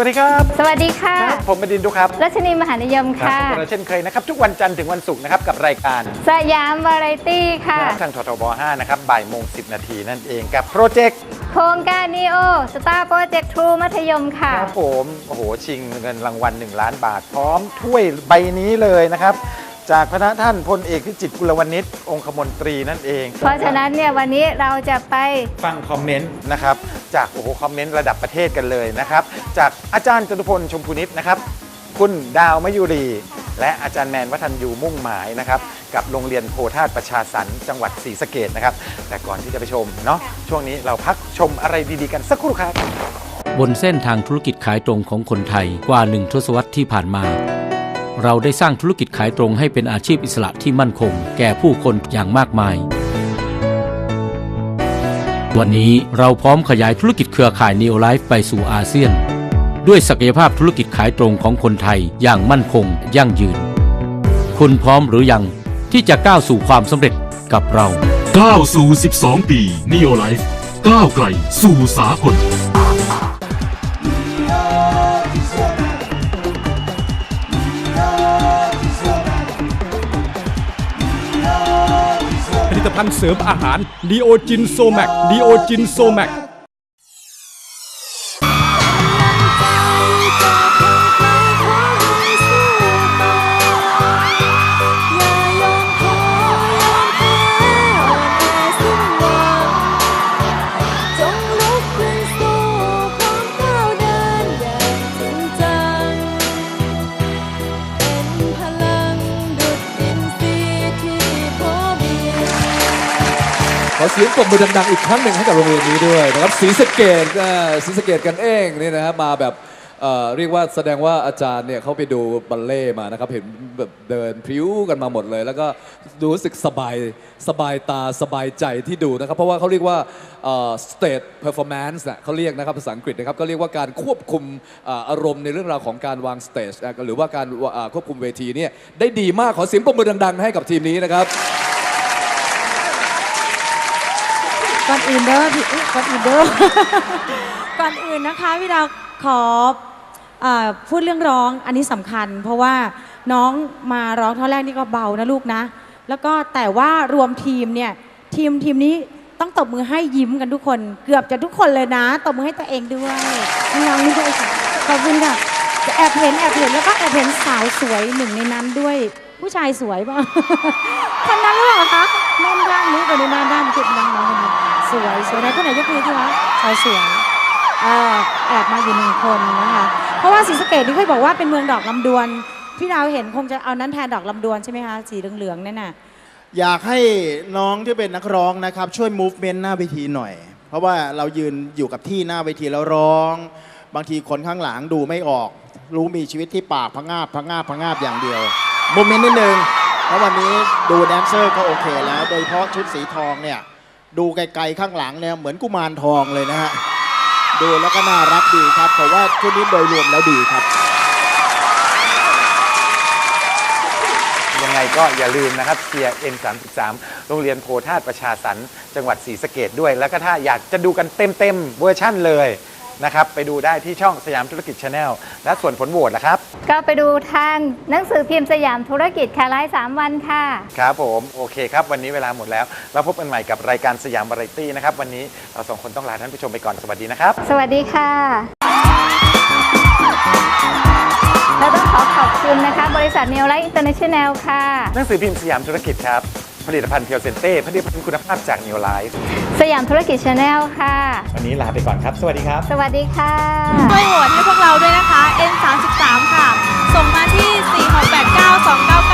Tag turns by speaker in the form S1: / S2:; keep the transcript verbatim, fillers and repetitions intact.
S1: วัสดีครับ
S2: สวัสดีค่ะ
S1: ผมบดินทร์ดุครับ
S2: รัชนีมหานิยมค่ะ
S1: พบกันเช่นเคยนะครับทุกวันจันทร์ถึงวันศุกร์นะครับกับรายการ
S2: สยามวาไรตี้ค่ะ
S1: ทางททบห้านะครับบ่ายโมงสิบนาทีนั่นเองกับโปรเจกต์
S2: โครงการนีโอสตาร์โปรเจกต์ทรูมัธยมค่ะ
S1: ครับผมโอ้โหชิงเงินรางวัลหนึ่งล้านบาทพร้อมถ้วยใบนี้เลยนะครับจากพระท่านพลเอกพิจิตรกุลวณิชองคมนตรีนั่นเอง
S2: เพราะฉะนั้นเนี่ยวันนี้เราจะไป
S1: ฟังคอมเมนต์นะครับจากโอ้โหคอมเมนต์ระดับประเทศกันเลยนะครับจากอาจารย์จตุพลชมพูนิชนะครับคุณดาวมยุรีและอาจารย์แมนวัฒนยูมุ่งหมายนะครับกับโรงเรียนโพธาตุประชาสรรค์จังหวัดศรีสะเกษนะครับแต่ก่อนที่จะไปชมเนาะช่วงนี้เราพักชมอะไรดีๆกันสักครู่ครับ
S3: บนเส้นทางธุรกิจขายตรงของคนไทยกว่าหนึ่งทศวรรษที่ผ่านมาเราได้สร้างธุรกิจขายตรงให้เป็นอาชีพอิสระที่มั่นคงแก่ผู้คนอย่างมากมายวันนี้เราพร้อมขยายธุรกิจเครือข่าย Neo Life ไปสู่อาเซียนด้วยศักยภาพธุรกิจขายตรงของคนไทยอย่างมั่นคงยั่งยืนคุณพร้อมหรือยังที่จะก้าวสู่ความสำเร็จกับเรา
S4: ก้าวสู่สิบสองปี Neo Life ก้าวไกลสู่สากล
S5: ผลิตภัณฑ์เสริมอาหารดีโอจินโซแมกดีโอจินโซแมก
S6: ขอเสียงปรบมือดังๆอีกครั้งหนึ่งให้กับโรงเรียนนี้ด้วยนะครับศรีสะเกษศรีสะเกษกันเองนี่นะครับมาแบบเอ่อเรียกว่าแสดงว่าอาจารย์เนี่ยเขาไปดูบัลเล่มานะครับเห็นแบบเดินพริ้วกันมาหมดเลยแล้วก็รู้สึกสบายสบายตาสบายใจที่ดูนะครับเพราะว่าเขาเรียกว่าเอ่อ stage performance นะเขาเรียกนะครับภาษาอังกฤษนะครับก็เรียกว่าการควบคุมอารมณ์ในเรื่องราวของการวางสเตจหรือว่าการควบคุมเวทีเนี่ยได้ดีมากขอเสียงปรบมือดังๆให้กับทีมนี้นะครับ
S7: ก่อนอื่นเด้อพี่ก่อนอื่นเด้อก่อนอื่นนะคะพี่ดาวขอพูดเรื่องร้องอันนี้สำคัญเพราะว่าน้องมาร้องท่อนแรกนี่ก็เบานะลูกนะแล้วก็แต่ว่ารวมทีมเนี่ยทีมทีมนี้ต้องตบมือให้ยิ้มกันทุกคนเกือบจะทุกคนเลยนะตบมือให้ตัวเองด้วยน้องนี่ด้วยค่ะขอบคุณค่ะแอบเห็นแอบเห็นแล้วก็แอบเห็นสาวสวยหนึ่งในนั้นด้วยผู้ชายสวยป่ะคนนั้นหรือเปล่าคะแม่นด้านนี้คนนี้ด้านด้านจุดน้องๆคนนี้สวยสวยไหนคนไหนยกมือที่วะชายสวยแอบมาอยู่หนึ่งคนนะคะเพราะว่าศรีสะเกษนี่เคยบอกว่าเป็นเมืองดอกลำดวนพี่ดาวเห็นคงจะเอานั้นแทนดอกลำดวนใช่ไหมคะสีเหลืองๆนั่นน่ะ
S8: อยากให้น้องที่เป็นนักร้องนะครับช่วย movement หน้าเวทีหน่อยเพราะว่าเรายืนอยู่กับที่หน้าเวทีแล้วร้องบางทีคนข้างหลังดูไม่ออกรู้มีชีวิตที่ปากพะงาบพะงาบพะงาบอย่างเดียวโมเมนต์นิดนึงเพราะวันนี้ดูแดนเซอร์ก็โอเคแล้วโดยเฉพาะชุดสีทองเนี่ยดูไกลๆข้างหลังเนี่ยเหมือนกุมารทองเลยนะฮะดูแล้วก็น่ารักดีครับเพราะว่าชุดนี้โดยรวมแล้วดีครับ
S1: ยังไงก็อย่าลืมนะครับเชียร์ เอ็น สามสิบสาม โรงเรียนโพธาตุประชาสรรค์จังหวัดศรีสะเกษด้วยแล้วก็ถ้าอยากจะดูกันเต็มๆเวอร์ชั่นเลยนะครับไปดูได้ที่ช่องสยามธุรกิจ Channel และส่วนผลโหวตล่ะครับ
S2: ก็ไปดูทางหนังสือพิมพ์สยามธุรกิจค่ะไลฟ์สามวันค่ะ
S1: ครับผมโอเคครับวันนี้เวลาหมดแล้วแล้วพบกันใหม่กับรายการสยามวาไรตี้นะครับวันนี้เราสองคนต้องลาท่านผู้ชมไปก่อนสวัสดีนะครับ
S2: สวัสดีค่ะเราต้องขอขอบคุณนะคะบริษัท Neo Life International ค่ะ
S1: หนังสือพิมพ์สยามธุรกิจครับผลิตภัณฑ์เพียวเซนเต้ผลิตภัณฑ์คุณภาพจาก Neo Life
S2: สยามธุรกิจ Channel ค่ะ
S1: วันนี้ลาไปก่อนครับสวัสดีครับ
S2: สวัสดีค่ะ
S9: ช่วยโหวตให้พวกเราด้วยนะคะ เอ็น สามสิบสาม ค่ะส่งมาที่ สี่ หก แปด เก้า สอง เก้า